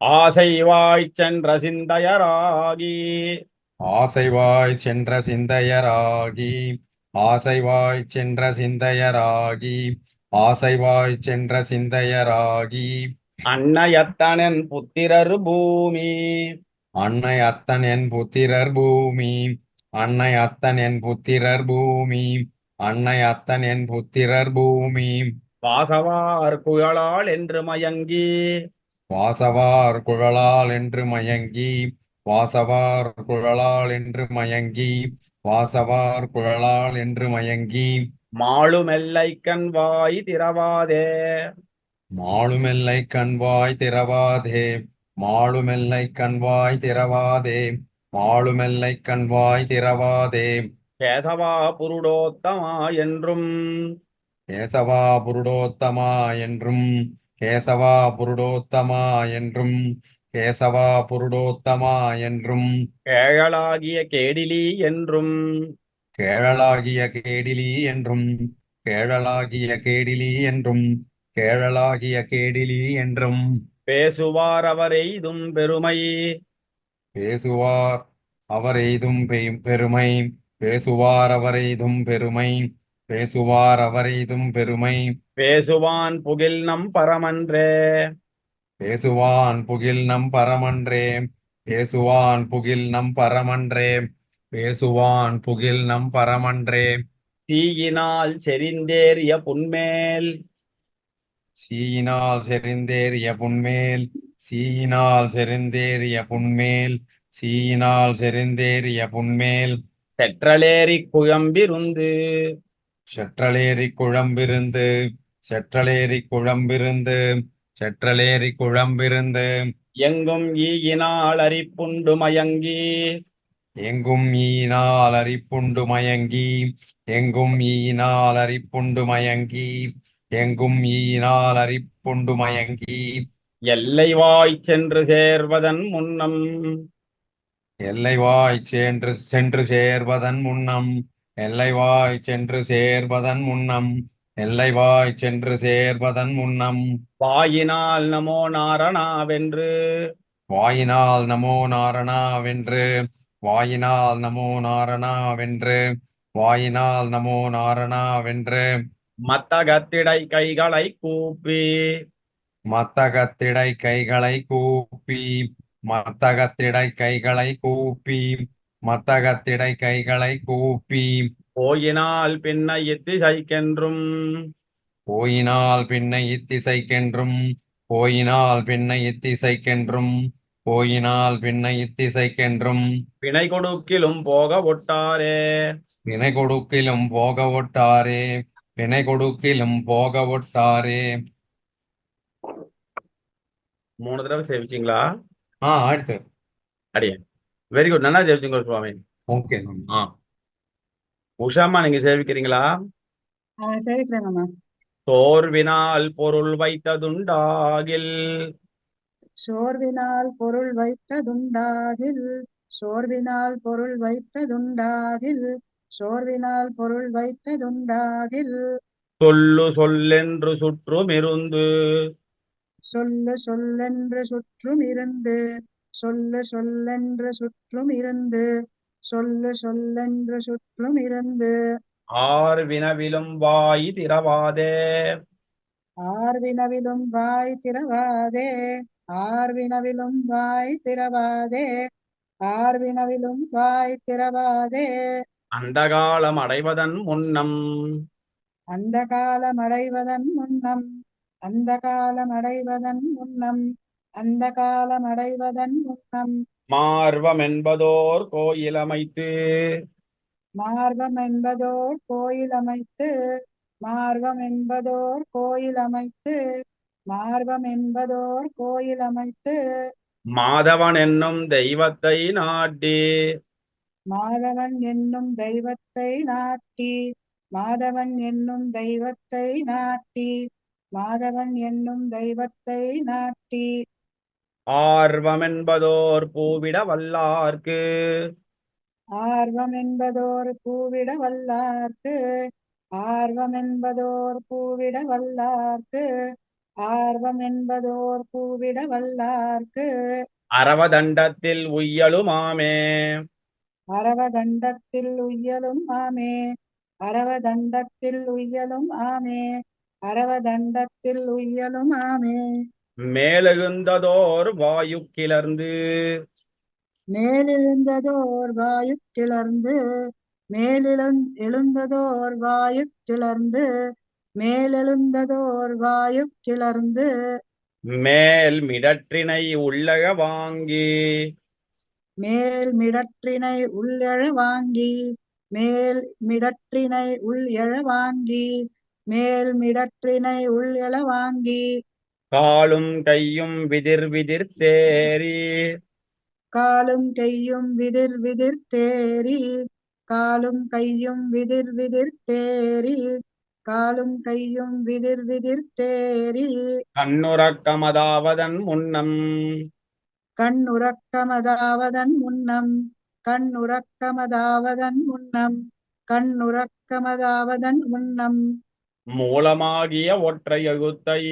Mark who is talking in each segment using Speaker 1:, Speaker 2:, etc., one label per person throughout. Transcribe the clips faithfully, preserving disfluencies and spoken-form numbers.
Speaker 1: ஆசைவாய்ச் சென்ற சிந்தையராகி
Speaker 2: ஆசைவாய் சென்ற சிந்தையராகி ஆசைவாய் சென்ற சிந்தையராகி ஆசைவாய் சென்ற சிந்தையராகி
Speaker 1: அன்னையத்தனன் புத்திரர் பூமி
Speaker 2: அன்னை அத்தன் என் புத்திரர் பூமி அன்னை அத்தன் என் புத்திரர் பூமி அன்னை அத்தன் என் புத்திரர் பூமி
Speaker 1: வாசவார் குழலால் என்று மயங்கி
Speaker 2: வாசவார் குழலால் என்று மயங்கி வாசவார் குழலால் என்று மயங்கி வாசவார் குழலால் என்று மயங்கி
Speaker 1: மாளுமெல்லைக்கண் வாய் திறவாதே
Speaker 2: மாளுமெல்லை கண்வாய் திறவாதே மாளுமெல்லை கண்வாய் திறவாதே மாளுமெல்லை கண்வாய் திறவாதே
Speaker 1: கேசவா புருடோத்தமா என்றும்
Speaker 2: கேசவா புருடோத்தமா என்றும் கேசவா புருடோத்தமா என்றும் கேசவா புருடோத்தமா என்றும்
Speaker 1: கேழலாகிய கேடிலி என்றும்
Speaker 2: கேழலாகிய கேடிலி என்றும் கேழலாகிய கேடிலி என்றும் கேழலாகிய கேடிலி என்றும்
Speaker 1: பேசுவார் அவரெய்தும் பெருமை
Speaker 2: பேசுவார் அவர் எய்தும் பெய்- பெருமை பேசுவார் அவர் எய்தும் பெருமை பேசுவார் அவர் எய்தும் பெருமை
Speaker 1: பேசுவான் புகில் நம் பரமன்றே
Speaker 2: பேசுவான் புகில் நம் பரமன்றே பேசுவான் புகில் நம் பரமன்றே பேசுவான் புகில் நம் பரமன்றே
Speaker 1: தீயினால் செறிந்தேறிய புன்மேல்
Speaker 2: சீயினால் செறிந்தேறிய புன்மேல் சீயினால் செறிந்தேறிய புன்மேல் சீயினால் செறிந்தேறிய புன்மேல்
Speaker 1: செற்றலேறி குழம்பிருந்து
Speaker 2: செற்றலேறி குழம்பிருந்து செற்றலேறி குழம்பிருந்து செற்றலேறி குழம்பிருந்து
Speaker 1: எங்கும் ஈயினால் அரிப்புண்டு மயங்கி
Speaker 2: எங்கும் ஈனால் அரிப்புண்டு மயங்கி எங்கும் ஈனால் அரிப்புண்டு மயங்கி எங்கும் ஈனால் அரிப்புண்டு மயங்கி
Speaker 1: எல்லை வாய் சென்று சேர்வதன் முன்னம்
Speaker 2: எல்லைவாய் சென்று சென்று சேர்வதன் முன்னம் எல்லைவாய் சென்று சேர்வதன் முன்னம் எல்லைவாய் சென்று சேர்வதன் முன்னம்
Speaker 1: வாயினால் நமோ நாரணாவென்று
Speaker 2: வாயினால் நமோ நாரணாவென்று வாயினால் நமோ நாரணாவென்று வாயினால் நமோ நாரணாவென்று
Speaker 1: மத்தகத்திடை கைகளை கூப்பி
Speaker 2: மத்தகத்திடை கைகளை கூப்பி மத்தகத்திடை கைகளை கூப்பி மத்தகத்திடை கைகளை கூப்பி
Speaker 1: போயினால் பின்ன இத்திசைக்கென்றும்
Speaker 2: போயினால் பின்னை இத்திசைக்கென்றும் போயினால் பின்னை இத்திசைக்கென்றும் போயினால் பின்னை இத்திசைக்கென்றும்
Speaker 1: பிணை கொடுக்கிலும் போக ஒட்டாரே
Speaker 2: வினை கொடுக்கிலும் போக ஒட்டாரே வினை கொடுக்கிலும் போக ஒட்டாரே.
Speaker 1: மூணு தடவை சேவிச்சிங்களா?
Speaker 2: ஆ அடுத்து.
Speaker 1: அடியே வெரி குட், நல்லா சேவிச்சிங்க சுவாமி.
Speaker 2: ஓகே. ஆ
Speaker 1: உஷாமா நீங்க சேவிக்கிறீங்களா?
Speaker 3: சேவிக்கிறேங்கம்மா.
Speaker 1: சோர்வினால் பொருள் வைத்ததுண்டாகில்
Speaker 3: சோர்வினால் பொருள் வைத்ததுண்டாகில் சோர்வினால் பொருள் வைத்ததுண்டாகில் சோர்வினால் பொருள் வைத்ததுண்டாகில்
Speaker 1: சொல்லு சொல்லென்று சுற்றுமிருந்து
Speaker 3: சொல்லு சொல்லென்று சுற்றும் இருந்து சொல்லு சொல்லென்று சுற்றும் இருந்து சொல்லு சொல்லென்று சுற்றும் இருந்து
Speaker 1: ஆர் வினவிலும் வாய் திறவாதே
Speaker 3: ஆர்வினவிலும் வாய் திறவாதே ஆர்வினவிலும் வாய் திறவாதே ஆர்வினவிலும் வாய் திறவாதே
Speaker 1: அந்த காலம் அடைவதன் முன்னம்
Speaker 3: அந்த காலம் அடைவதன் முன்னம் அந்த காலம் அடைவதன் முன்னம் அந்த காலம் அடைவதன் முன்னம்
Speaker 1: மார்வம் என்பதோர் கோயில் அமைத்து
Speaker 3: மார்வம் என்பதோர் கோயில் அமைத்து மார்வம் என்பதோர் கோயில் அமைத்து மார்வம் என்பதோர் கோயில் அமைத்து
Speaker 1: மாதவன் என்னும் தெய்வத்தை நாட்டி
Speaker 3: மாதவன் என்னும் தெய்வத்தை நாட்டி மாதவன் என்னும் தெய்வத்தை நாட்டி மாதவன் என்னும் தெய்வத்தை நாட்டி
Speaker 1: ஆர்வம் என்பதோர் பூவிட வல்லார்க்கு
Speaker 3: ஆர்வம் என்பதோர் பூவிட வல்லார்க்கு ஆர்வம் என்பதோர் பூவிட வல்லார்க்கு ஆர்வம் என்பதோர் பூவிட வல்லார்க்கு
Speaker 1: அரவதண்டத்தில் உய்யலுமாமே.
Speaker 3: அரவதண்டத்தில் உய்யலும் ஆமே அரவதண்டத்தில் உய்யலும் ஆமே அரவதண்டத்தில் உய்யலும் ஆமே
Speaker 1: மேலெழுந்ததோர் வாயு கிளர்ந்து
Speaker 3: மேலெழுந்ததோர் வாயு கிளர்ந்து மேலெழுந் எழுந்ததோர் வாயு கிளர்ந்து மேலெழுந்ததோர் வாயு கிளர்ந்து
Speaker 1: மேல் மிடற்றினை உள்ளக வாங்கி
Speaker 3: மேல் மிடற்றினை உள்ளெழ வாங்கி மேல் மிடற்றினை உள் எழ வாங்கி மேல் மிடற்றினை உள் எழ வாங்கி
Speaker 1: காலும் கையும் விதிர் விதிர் தேறி
Speaker 3: காலும் கையும் விதிர் விதிர் தேறி காலும் கையும் விதிர் விதிர் தேறி காலும் கையும் விதிர் விதிர் தேறி
Speaker 1: கண்ணுறக்கமதாவதன் முன்னம்
Speaker 3: கண்ணுறக்கமதாவதன் முன்னம் கண்ணுறக்கமதாவதன் முன்னம் கண்ணுறக்கமதாவதன் முன்னம்
Speaker 1: மூலமாகிய ஒற்றை எழுத்தை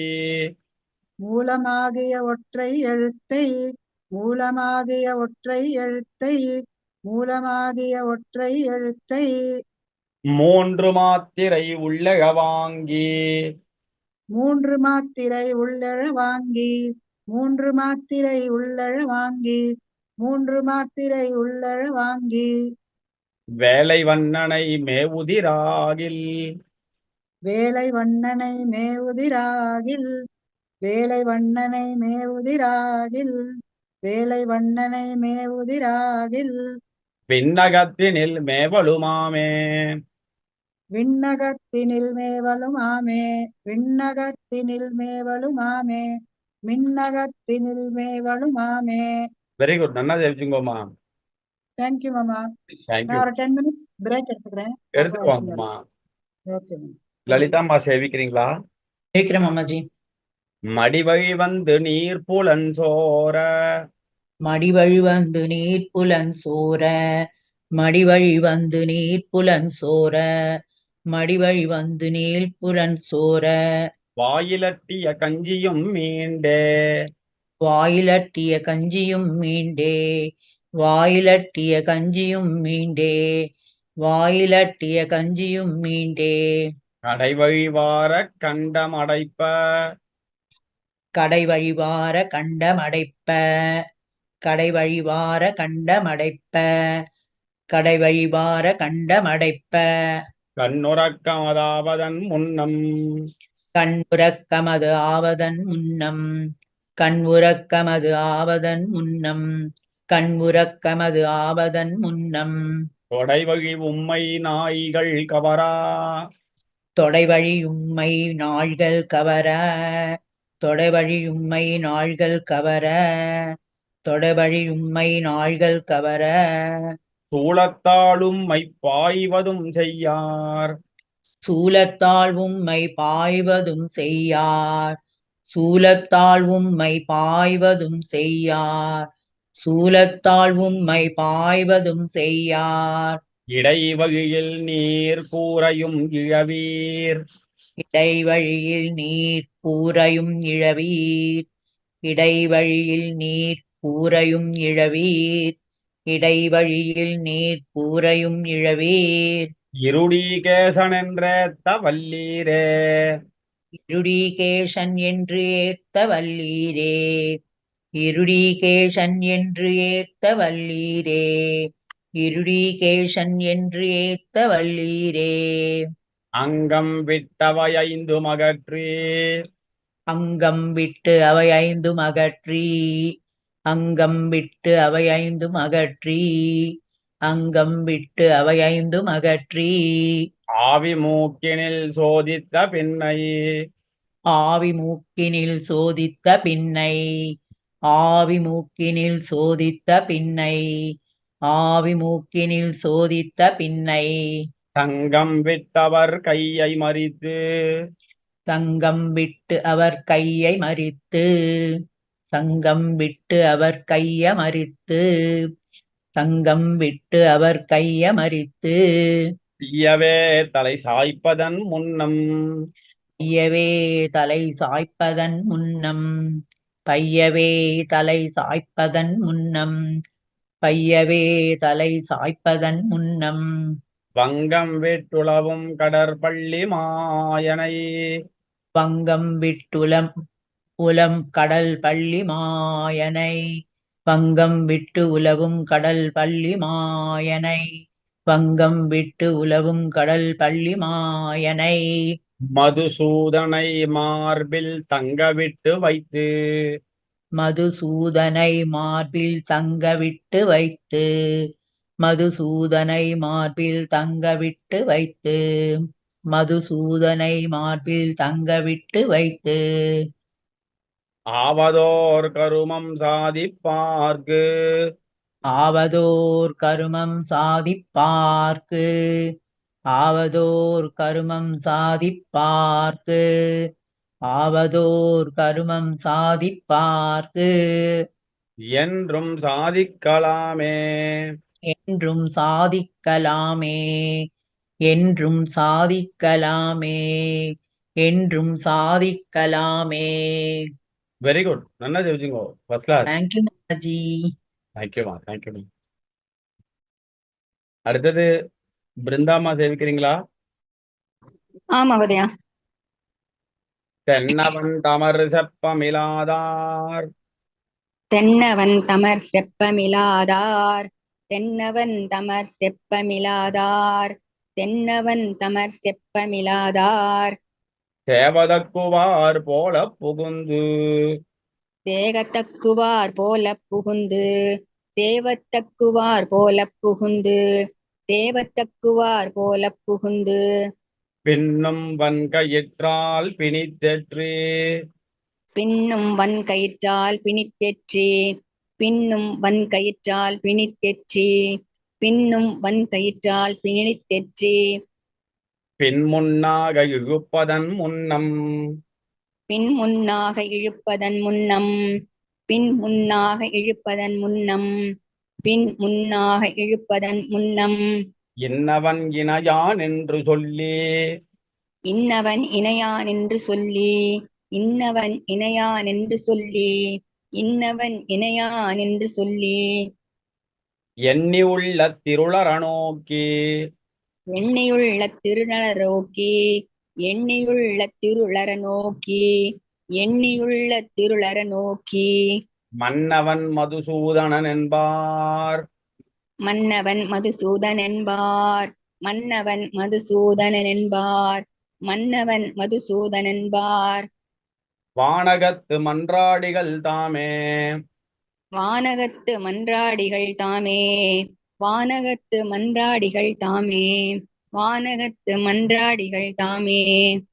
Speaker 3: மூலமாகிய ஒற்றை எழுத்தை மூலமாகிய ஒற்றை எழுத்தை மூலமாகிய ஒற்றை எழுத்தை
Speaker 1: மூன்று மாத்திரை உள்ளக வாங்கி
Speaker 3: மூன்று மாத்திரை உள்ளெழ வாங்கி மூன்று மாத்திரை உள்ளெழ வாங்கி மூன்று மாத்திரை உள்ளெழ வாங்கி
Speaker 1: வேலை வண்ணனை மேவுதிராகில்
Speaker 3: வேலை வண்ணனை மேவுதிராகில் வேலை வண்ணனை மேவுதிராகில் வேலை வண்ணனை மேவுதிராகில்
Speaker 1: விண்ணகத்தினில் மேவலுமாமே.
Speaker 3: விண்ணகத்தினில் மேவலும் ஆமே விண்ணகத்தினில் மேவலும் ஆமே மின்னகத்தினில் மேவலும் ஆமே.
Speaker 1: வெரி குட், நல்லா ஜெயிச்சுங்கோமா.
Speaker 3: தேங்க்யூ மாமா.
Speaker 1: தேங்க்யூ.
Speaker 3: நான் ஒரு டென் மினிட்ஸ் பிரேக் எடுத்துக்கிறேன்.
Speaker 1: எடுத்துக்கோங்கம்மா.
Speaker 3: Okay ma'am.
Speaker 1: லலிதாம்மா சேவிக்கிறீங்களா?
Speaker 4: கேக்குறேன் மாமாஜி.
Speaker 1: மடிவழி வந்து நீர் புலன் சோர
Speaker 4: மடிவழி வந்து நீர் புலன் சோர மடிவழி வந்து நீர் புலன் சோர மடிவழி வந்து நீர் புலன் சோர
Speaker 1: வாயிலட்டிய கஞ்சியும் மீண்டே
Speaker 4: வாயிலட்டிய கஞ்சியும் மீண்டே வாயிலட்டிய கஞ்சியும் மீண்டே வாயிலட்டிய கஞ்சியும் மீண்டே
Speaker 1: கடைவழி வார கண்டமடைப்ப
Speaker 4: கடை வழிவார கண்டமடைப்ப கடை வழிவார கண்டமடைப்ப கடை வழிவார கண்டமடைப்ப
Speaker 1: கண்ணுறக்கமதாவதன் முன்னம்
Speaker 4: கண்ணுறக்கமது ஆவதன் முன்னம் கண்ணுறக்கமது ஆவதன் முன்னம் கண்ணுறக்கமது ஆவதன் முன்னம்
Speaker 1: கொடைவழி உம்மை நாய்கள் கவரா
Speaker 4: தொடைவழி உம்மை நாள்கள் கவர தொடைவழி உம்மை நாள்கள் கவர தொடைவழி உம்மை நாள்கள் கவர
Speaker 1: சூளத்தாலும் பாய்வதும் செய்யார்
Speaker 4: சூலத்தால் உம்மை பாய்வதும் செய்யார் சூலத்தால் உம்மை பாய்வதும் செய்யார் சூலத்தால் உம்மை பாய்வதும் செய்யார்
Speaker 1: இடைவழியில் நீர் கூரையும் இழவீர்
Speaker 4: இடைவழியில் நீர் கூரையும் இழவீர் இடைவழியில் நீர் கூரையும் இழவீர் இடைவழியில் நீர் கூரையும் இழவீர்
Speaker 1: இருடீகேசன் என்றேத்த வல்லீரே
Speaker 4: இருடீகேசன் என்று ஏத்த வல்லீரே இருடீகேசன் என்று ஏத்த வல்லீரே இருடீகேசன் என்று ஏத்த வல்லீரே
Speaker 1: அங்கம் விட்டவை ஐந்து மகற்றி
Speaker 4: அங்கம் விட்டு அவை ஐந்தும் அகற்றி அங்கம் விட்டு அவை ஐந்தும் அகற்றி அங்கம் விட்டு அவை ஐந்தும் அகற்றி
Speaker 1: ஆவி மூக்கினில் சோதித்த பின்னை
Speaker 4: ஆவி மூக்கினில் சோதித்த பின்னை ஆவி மூக்கினில் சோதித்த பின்னை ஆவி மூக்கினில் சோதித்த பின்னை
Speaker 1: சங்கம் விட்டவர் கையை மறித்து
Speaker 4: சங்கம் விட்டு அவர் கையை மறித்து சங்கம் விட்டு அவர் கைய மறித்து சங்கம் விட்டு அவர் கைய மறித்து
Speaker 1: தீயவே தலை சாய்ப்பதன் முன்னம்
Speaker 4: பையவே தலை சாய்ப்பதன் முன்னம் பையவே தலை சாய்ப்பதன் முன்னம் பையவே தலை சாய்ப்பதன் முன்னம்
Speaker 1: வங்கம் விட்டுளவும் கடற்பள்ளி மாயனை
Speaker 4: வங்கம் விட்டுலம் உலம் கடல் பள்ளி மாயனை வங்கம் விட்டு உலவும் கடல் பள்ளி மாயனை வங்கம் விட்டு உலவும் கடல் பள்ளி மாயனை
Speaker 1: மதுசூதனை மார்பில் தங்க விட்டு வைத்து
Speaker 4: மதுசூதனை மார்பில் தங்க விட்டு வைத்து மதுசூதனை மார்பில் தங்க விட்டு வைத்து மதுசூதனை மார்பில் தங்க விட்டு வைத்து
Speaker 1: ஆவதோர் கருமம் சாதிப்பார்க்கு
Speaker 4: ஆவதோர் கருமம் சாதிப்பார்க்கு ஆவதோர் கருமம் சாதிப்பார்க்கு ஆவதோர் கருமம் சாதிப்பார்க்கு
Speaker 1: என்றும் சாதிக்கலாமே
Speaker 4: என்றும் சாதிக்கலாமே என்றும் சாதிக்கலாமே என்றும் சாதிக்கலாமே.
Speaker 1: வெரி குட், நல்லா ஜெயிச்சுங்கோ, ஃபர்ஸ்ட் கிளாஸ்.
Speaker 4: தேங்க்யூ மாதாஜி.
Speaker 1: தேங்க்யூமா, தேங்க்யூ. அடுத்தது பிருந்தாமா சேவிக்கிறீங்களா?
Speaker 5: ஆ மகோதயா.
Speaker 1: தென்னவன் தமர் செப்பமிலாதார்
Speaker 5: தென்னவன் தமர் செப்பமிலாதார் தென்னவன் தமர் செப்பமிலாதார் தென்னவன் தமர் செப்பமிலாதார்
Speaker 1: சேவதக்குவார் போல புகுந்து
Speaker 5: தேகத்தக்குவார் போல புகுந்து தேவத்தக்குவார் போல புகுந்து தேவத்தக்குவார் போல புகுந்து
Speaker 1: பின்னும் வன்கயிற்றால் பிணித்தெற்று
Speaker 5: பின்னும் வன் கயிற்றால் பிணித்தெற்றி பின்னும் வன் கயிற்றால் பிணித்தெற்றி பின்னும் வன் கயிற்றால் பிணித்தெற்றி
Speaker 1: பின் முன்னாக இழுப்பதன் முன்னம்
Speaker 5: பின் முன்னாக இழுப்பதன் முன்னம் பின் முன்னாக இழுப்பதன் முன்னம் பின் முன்னாக இழுப்பதன் முன்னம்
Speaker 1: இன்னவன் இணையான் என்று சொல்லி
Speaker 5: இன்னவன் இணையான் என்று சொல்லி இன்னவன் இணையான் என்று சொல்லி இன்னவன் இணையான் என்று சொல்லி
Speaker 1: எண்ணி உள்ள திருளர நோக்கி
Speaker 5: எண்ணியுள்ள திருநர நோக்கி எண்ணியுள்ள திருளர நோக்கி எண்ணியுள்ள திருளர நோக்கி
Speaker 1: மன்னவன் மதுசூதனன் என்பார்
Speaker 5: மன்னவன் மதுசூதன் என்பார் மன்னவன் மதுசூதனன் என்பார் மன்னவன் மதுசூதன் என்பார்
Speaker 1: வானகத்து மன்றாடிகள் தாமே
Speaker 5: வானகத்து மன்றாடிகள் தாமே வானகத்து மன்றாடிகள் தாமே வானகத்து மன்றாடிகள் தாமே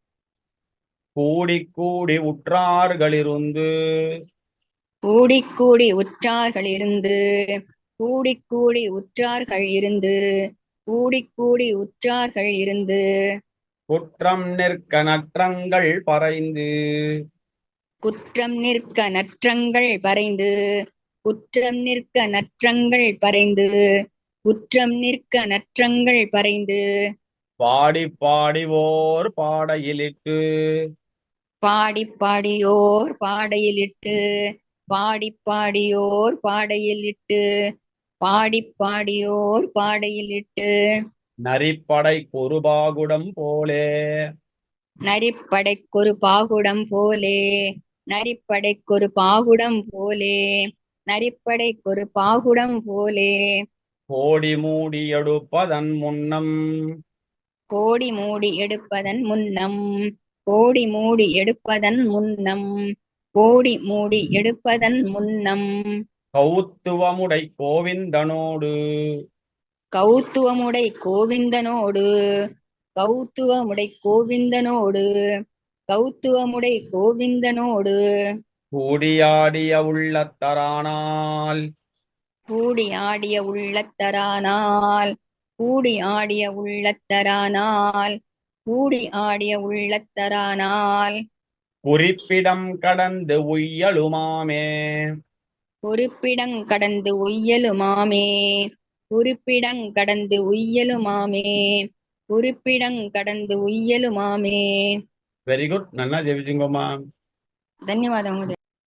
Speaker 1: கூடி கூடி உற்றார்களிருந்து
Speaker 5: கூடி கூடி உற்றார்கள் இருந்து கூடி கூடி உற்றார்கள் இருந்து கூடி கூடி உற்றார்கள் இருந்து
Speaker 1: குற்றம் நிற்க நற்றங்கள் பறைந்து
Speaker 5: குற்றம் நிற்க நற்றங்கள் பறைந்து குற்றம் நிற்க நற்றங்கள் பறைந்து குற்றம் நிற்க நற்றங்கள் பறைந்து
Speaker 1: பாடி பாடி ஓர் பாடையிலிட்டு
Speaker 5: பாடி பாடியோர் பாடையிலிட்டு பாடி பாடியோர் பாடையிலிட்டு பாடி பாடியோர் பாடையிலிட்டு
Speaker 1: நரிப்படை குருபாகுடம் போலே
Speaker 5: நரிப்படைக்கொரு பாகுடம் போலே நரிப்படைக்கொரு பாகுடம் போலே நரிப்படைக்கொரு பாகுடம் போலே
Speaker 1: கோடி மூடி எடுப்பதன் முன்னம்
Speaker 5: கோடி மூடி எடுப்பதன் முன்னம் கோடி மூடி எடுப்பதன் முன்னம் கோடி மூடி எடுப்பதன் முன்னம்
Speaker 1: கௌத்துவமுடை கோவிந்தனோடு
Speaker 5: கௌத்துவமுடை கோவிந்தனோடு கௌத்துவமுடை கோவிந்தனோடு கௌத்துவமுடை கோவிந்தனோடு
Speaker 1: கூடியாடிய உள்ளத்தரானால்
Speaker 5: கூடி ஆடிய உள்ளத்தரானால் கூடி ஆடிய உள்ளத்தரானால் கூடி ஆடிய உள்ளத்தரானால்
Speaker 1: குறிப்பிடம் கடந்து உய்யலுமாமே
Speaker 5: குறிப்பிடங் கடந்து உய்யலுமாமே குறிப்பிடங் கடந்து உய்யலுமாமே குறிப்பிடங் கடந்து உய்யலுமாமே
Speaker 1: வெரி குட் நல்லா ஜெபிச்சுங்கோமா.
Speaker 5: ధన్యవాదము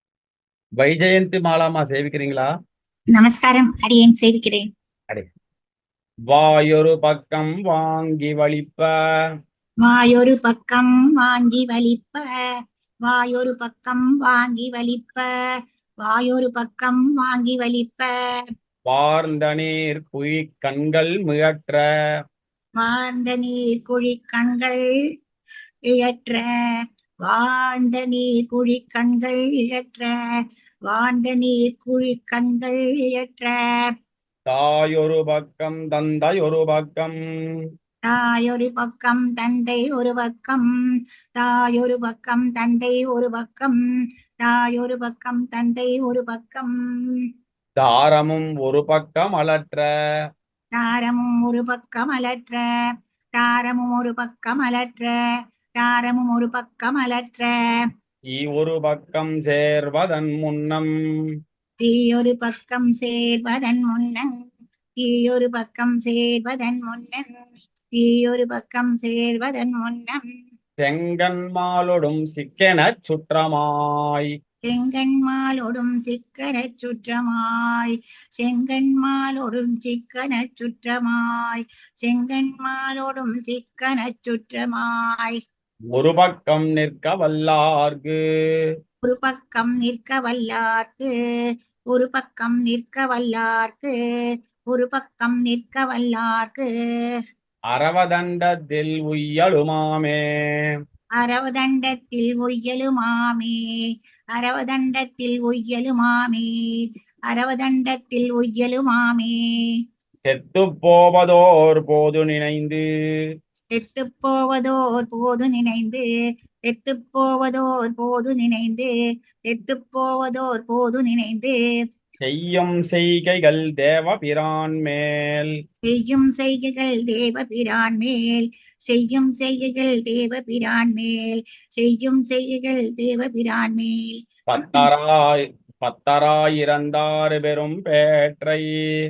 Speaker 1: வைஜெயந்தி மாலாமா சேவிக்கிறீங்களா?
Speaker 6: நமஸ்காரம், அடியேன் சேவிக்கிறேன்.
Speaker 1: அடே வாயொரு பக்கம் வாங்கி வலிப்ப
Speaker 6: வாயொரு பக்கம் வாங்கி வலிப்ப, வாயொரு பக்கம் வாங்கி வலிப்ப, வாயொரு பக்கம் வாங்கி வலிப்ப,
Speaker 1: வார்ந்த நீர் குழி கண்கள் முயற்ற
Speaker 6: வாழ்ந்த நீர் குழி கண்கள் இழற்ற, வாழ்ந்த நீர் குழி கண்கள் இழற்ற, வாழ்ந்த நீர் குழி கண்கள் இழற்ற,
Speaker 1: தாயொரு பக்கம் தந்தை ஒரு பக்கம்
Speaker 6: தாயொரு பக்கம் தந்தை ஒரு பக்கம், தாயொரு பக்கம் தந்தை ஒரு பக்கம், தாயொரு பக்கம் தந்தை ஒரு பக்கம்,
Speaker 1: தாரமும் ஒரு பக்கம் அலற்ற
Speaker 6: தாரமும் ஒரு பக்கம் அலற்ற, தாரமும் ஒரு பக்கம் அலற்ற, தாரமும் ஒரு பக்கம் அலற்ற,
Speaker 1: ஈ ஒரு பக்கம் சேர்வதன் முன்னம்
Speaker 6: தீயொரு பக்கம் சேர்வதன் முன்னன், தீயொரு பக்கம் சேர்வதன் முன்னன், தீயொரு பக்கம் சேர்வதன் முன்னம்,
Speaker 1: செங்கன்மாலொடும் சிக்கெனச் சுற்றமாய்
Speaker 6: செங்கண்மாலொடும் சிக்கனச் சுற்றமாய், செங்கண்மாலொடும் சிக்கனச் சுற்றமாய், செங்கண்மாலொடும் சிக்கனச் சுற்றமாய்,
Speaker 1: ஒரு பக்கம் நிற்க வல்லார்க்கு
Speaker 6: ஒரு பக்கம் நிற்க வல்லார்க்கு, ஒரு பக்கம் நிற்க வல்லார்க்கு, ஒரு பக்கம் நிற்க வல்லார்க்கு,
Speaker 1: அரவதண்டத்தில் உய்யலுமாமே
Speaker 6: அரவதண்டத்தில் ஒய்யலுமாமே, அரவதண்டத்தில் ஒய்யலுமாமே, அரவதண்டத்தில் ஒய்யலுமாமே,
Speaker 1: செத்துப் போவதோர் போது நினைந்து
Speaker 6: செத்துப் போவதோர் போது நினைந்து, செத்துப் போவதோர் போது நினைந்து, செத்துப் போவதோர் போது நினைந்து,
Speaker 1: செய்யும் செய்கைகள் தேவபிரான் மேல்
Speaker 6: செய்யும் செய்கைகள் தேவபிரான் மேல், செய்யும் செய்கைகள் தேவபிரான் மேல், செய்யும் செய்கைகள் தேவபிரான் மேல்,
Speaker 1: பத்தராய் பத்தராயிரந்தார் பெரும் பேற்றை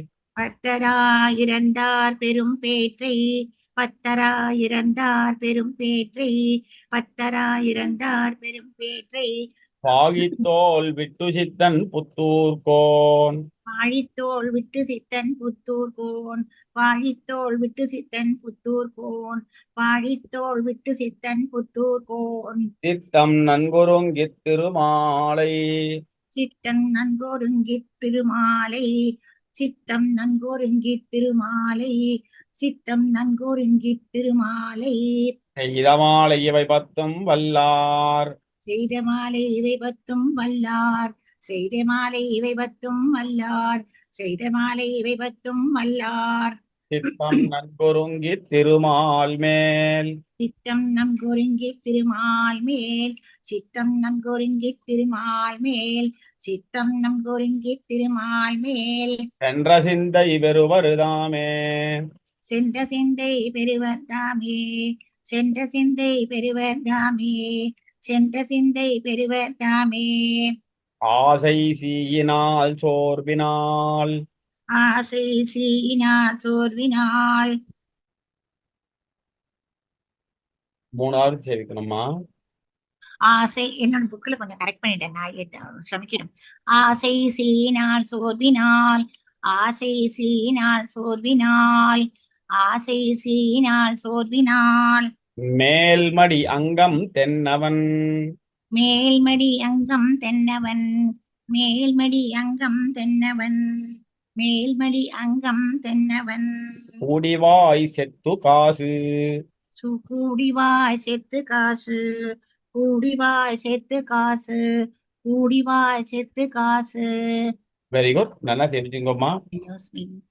Speaker 6: பத்தராயிரந்தார் பெரும் பேற்றை, பத்தராயிரந்தார் பெரும் பேற்றை, பத்தராயிரந்தார் பெரும் பேற்றை,
Speaker 1: பாகித்தோல் விட்டு சித்தன் புத்தூர்கோன்
Speaker 6: வாழித்தோள் விட்டு சித்தன் புத்தூர் கோன், வாழித்தோள் விட்டு சித்தன் புத்தூர் கோன், வாழித்தோள் விட்டு சித்தன் புத்தூர் கோன்,
Speaker 1: சித்தம் நன்குருங்கித் திருமாலை
Speaker 6: சித்தம் நன்கொருங்கித் திருமாலை, சித்தம் நன்கொருங்கித் திருமாலை, சித்தம் நன்கொருங்கித் திருமாலை,
Speaker 1: செய்த மாலை இவை பத்தும் வல்லார்
Speaker 6: செய்த மாலை இவை பத்தும் வல்லார், செய்த மாலை இவை பத்தும் வல்லார், செய்த மாலை இவை பத்தும் வல்லார்,
Speaker 1: சித்தம் நன்குருங்கித் திருமால் மேல்
Speaker 6: சித்தம் நன்கொருங்கித் திருமால் மேல், சித்தம் நன்கொருங்கித் திருமால் மேல், சித்தம் நன்கொருங்கித் திருமால் மேல்,
Speaker 1: சென்ற சிந்தை பெறுவருதாமே
Speaker 6: சென்ற சிந்தை பெறுவர் தாமே, சென்ற சிந்தை பெறுவர் தாமே, சென்ற சிந்தை பெறுவர் தாமே,
Speaker 1: ஆசை சீயினால் சோர்வினால்
Speaker 6: ஆசை சீயினால் சோர்வினால்,
Speaker 1: மூணாவது சேவிக்கணுமா?
Speaker 6: ஆசை என்னோட புக்ல கொஞ்சம் கரெக்ட் பண்ணிட்டேன் நான் எட்டு- சமைக்கணும். ஆசை சீனால் சோர்வினால், ஆசை சீனால் சோர்வினால், ஆசை சீனால் சோர்வினால்,
Speaker 1: மேல்மடி அங்கம் தென்னவன்
Speaker 6: மேல்மடி அங்கம் தென்னவன், மேல்மடி அங்கம் தென்னவன், மேல்மடி அங்கம் தென்னவன்,
Speaker 1: கூடிவாய் செத்து காசு
Speaker 6: சு- கூடிவாய் செத்து காசு, கூடிவாய் செத்து காசு, கூடிவாய் செத்து காசு.
Speaker 1: வெரி குட் நல்லா சேவிச்சுங்கம்மா.
Speaker 6: Excuse me.